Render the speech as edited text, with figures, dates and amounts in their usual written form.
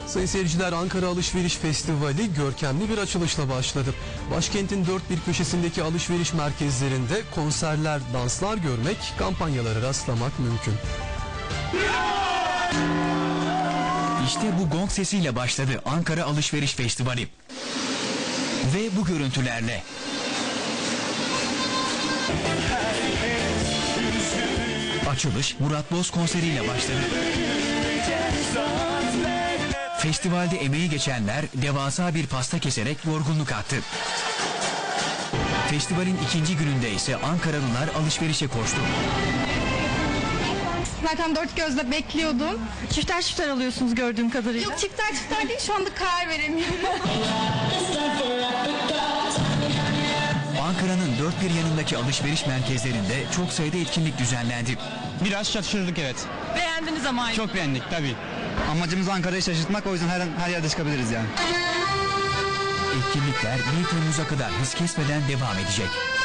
Sayın seyirciler, Ankara Alışveriş Festivali görkemli bir açılışla başladı. Başkentin dört bir köşesindeki alışveriş merkezlerinde konserler, danslar görmek, kampanyalara rastlamak mümkün. İşte bu gong sesiyle başladı Ankara Alışveriş Festivali. Ve bu görüntülerle. Açılış Murat Boz konseriyle başladı. Festivalde emeği geçenler devasa bir pasta keserek yorgunluk attı. Festivalin ikinci gününde ise Ankaralılar alışverişe koştu. Zaten dört gözle bekliyordum. Çifter çifter alıyorsunuz gördüğüm kadarıyla. Yok, çifter çifter değil, şu anda karar veremiyorum. Ankara'nın dört bir yanındaki alışveriş merkezlerinde çok sayıda etkinlik düzenlendi. Biraz şaşırdık, evet. Beğendiniz ama. Çok beğendik tabii. Amacımız Ankara'yı şaşırtmak, o yüzden her yerde çıkabiliriz yani. Etkinlikler 1 Temmuz'a kadar hız kesmeden devam edecek.